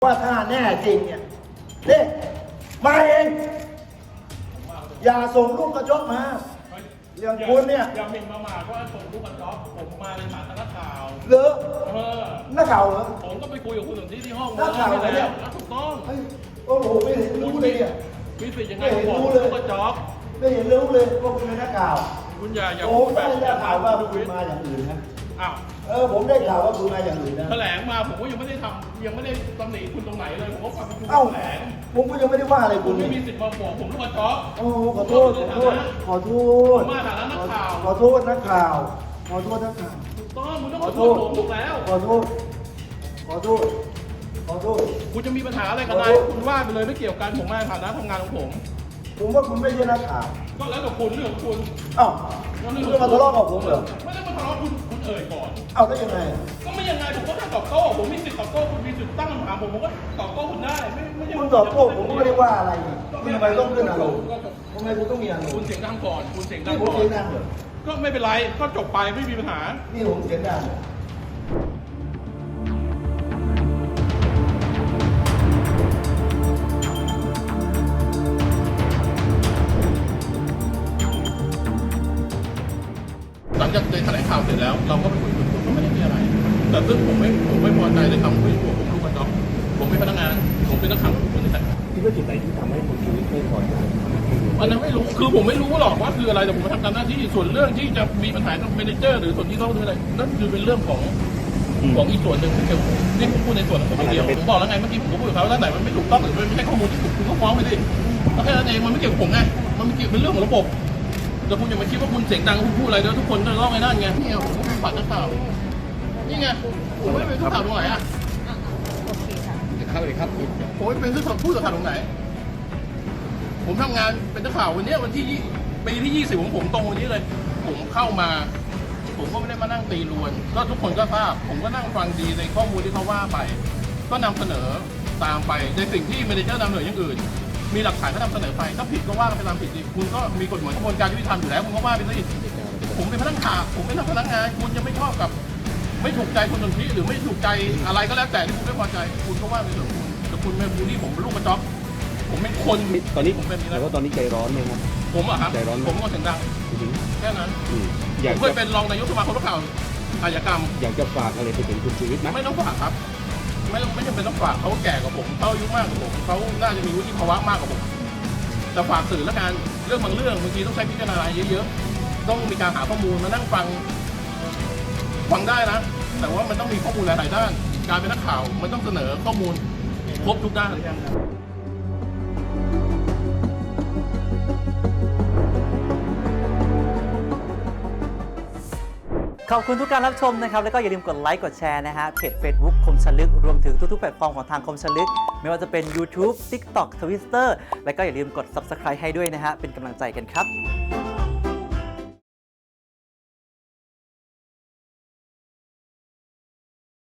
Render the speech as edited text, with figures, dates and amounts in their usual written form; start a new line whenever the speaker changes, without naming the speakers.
ว่าถ้าแน่จริงเนี่ยเด็กมาเองอย่าส่งลูกกระจกมาอย่างคุณเนี่ย
อย่าหมิ่นประมาทว่าส่งลูกกระจกผมมาในฐานะนักข่าว
เหรอนักข่าวเหรอ
ผมก็ไปคุยกับคุณสนธิที่ห้อง
นักข่าวเหรอเนี่ย
ถูกต้อง
โอ้โหไม่เห็นรู้เลยเนี่ย
มีสิทธิ์ยังไงผมบอกลูกกระจก
ไม่เห็นรู้เลยว่าคุณเป็นนักข่าว
คุณอย่า
โอ้ไม่ได้ข่าวว่าคุณมาอย่างอื่นนะ
อ้าว
ผมได้ข่าวว่าคุณมาอย่างอื่นนะ
แถลงมาผมก็ยังไม่ได้ทำยังไม่ได้ตำหนิคุณตรงไหนเลยผมก็ฟังคุณแถลง
ผมก็ยังไม่ได้ว่าอะไรคุณ
ไม่มีสิทธิ์มาบอกผมลูกกระจก
โอ้ขอโทษขอโทษ
มาฐานะนักข่าว
ขอโทษนักข่าวขอโทษนักข่าว
ถูกต้องคุณต้องขอโทษผมถูกแล้ว
ขอโทษ
คุณจะมีปัญหาอะไรกับนายคุณว่าไปเลยไม่เกี่ยวกันผมมาในฐานะทำงานของผม
ว่าคุณไม่ใช่นักข่าว
ก็แล้วแต่คุณเรื่องของคุณ
คุณจะมาทะเลาะกับผมเหรอ
ไม่ได้มาทะเลาะคุณเอ่ยก่อน
ได้ยังไง
ก็ไม่ยังไงผมก็แค่ตอบโต้ผมมีสิทธิ์ตอบโต้คุณมีสิทธิ์ตั้งคำถามผมก็ตอบโต้คุณได้ไม่ใช่
คุณตอบโต้ผมก็ไม่ได้ว่าอะไรทำไมต้องขึ้นอารมณ์ทำไมคุณต้องมีอารมณ์
คุณเสียงดังก่อนคุณเสียงดัง
ก่อนผมเสียงดังเหรอ
ก็ไม่เป็นไรก็จบไปไม่มีปัญหา
นี่ผมเสียงดัง
หลังจากแถลงข่าวเสร็จแล้วเราก็ไปคุยกับคุณก็ไม่ได้มีอะไรแต่ซึ่งผมไม่พอใจในคำพูดของผมลูกกระจอกผมเป็นพนักงานผมเป็นนักข่าวคนที่แต่
คิดว่าจุดไหนที่ทำให้คนชีวิตไม่พอใจ
อันนั้นไม่รู้คือผมไม่รู้หรอกว่าคืออะไรแต่ผมมาทำตามหน้าที่ส่วนเรื่องที่จะมีปัญหากับเมเนเจอร์หรือส่วนที่เขาทำอะไรนั่นคือเป็นเรื่องของอีกส่วนหนึ่งที่ผมพูดในส่วนของผมเดียวผมบอกแล้วไงเมื่อกี้ผมก็พูดกับเขาว่าถ้าไหนมันไม่ถูกต้องหรือไม่ใช่ข้อมูลที่ถูกคุณก็ฟ้องไปดิแค่นั้นเองมันไม่เกี่ยวกับผมไงมันไม่เกี่ยวเป็นเรื่องของระบบแต่คุณอย่ามาคิดว่าคุณเสียงดังคุณพูดอะไรแล้วทุกคนจะร้องไอ้นั่นไงนี่ผมเป็นฝ่ายนักข่าวนี่ไงผมไม่ได้เป็นผู้ข่าวตรงไหนอ่ะ
เข้าเลยครับ
ผมไม่เป็นผู้สื่อข่าวตรงไหนผมทำงานเป็นนักข่าววันนี้วันที่ปีที่20ของผมตรงวันนี้เลยผมเข้ามาผมก็ไม่ได้มานั่งตีรวนก็ทุกคนก็ทราบผมก็นั่งฟังดีในข้อมูลที่เขาว่าไปก็นำเสนอตามไปในสิ่งที่เมเนเจอร์นำเสนออย่างอื่นมีหลักฐานก็นำเสนอไปถ้าผิดก็ว่าไปตามผิดดิคุณก็มีกฎหมายกระบวนการยุติธรรมอยู่แล้วคุณก็ว่าไปสิผมเป็นพนักงานผมเป็นพนักงานคุณจะไม่ชอบกับไม่ถูกใจคนสนธิหรือไม่ถูกใจอะไรก็แล้วแต่ที่คุณไม่พอใจคุณก็ว่าไปเถอะคุณแต่คุณเป็นบูลลี่ผมเป็นลูกกระจอกผมเป็นคน
ตอนนี้ผมเป็นแต่ว่าตอนนี้ใจร้อนไหมครับ
ผมอะครับใจร้อนผมก็เสียงดังแค่นั้นผมเคยเป็นรองนายกสมาคมนักข่าวอาชญากรรม
อยากจะฝากอะไรไปถึงคุณชีวิตไหม
ไม่ต้องฝากครับไม่จำเป็นต้องฝากเขาแก่กว่าผมเขาอายุมากกว่าผมเขาน่าจะมีวุฒิภาวะมากกว่าผมแต่ฝากสื่อแล้วกันเรื่องบางเรื่องบางทีต้องใช้พิจารณาเยอะๆต้องมีการหาข้อมูลมานั่งฟังได้นะแต่ว่ามันต้องมีข้อมูลหลายๆด้านการเป็นนักข่าวมันต้องเสนอข้อมูลครบทุกด้าน
ขอบคุณทุกการรับชมนะครับแล้วก็อย่าลืมกดไลค์กดแชร์นะฮะเพจ Facebook คมชลึกรวมถึงทุกๆแพลตฟอร์มของทางคมชลึกไม่ว่าจะเป็น YouTube TikTok Twitter แล้วก็อย่าลืมกด Subscribe ให้ด้วยนะฮะเป็นกำลังใจกันครับ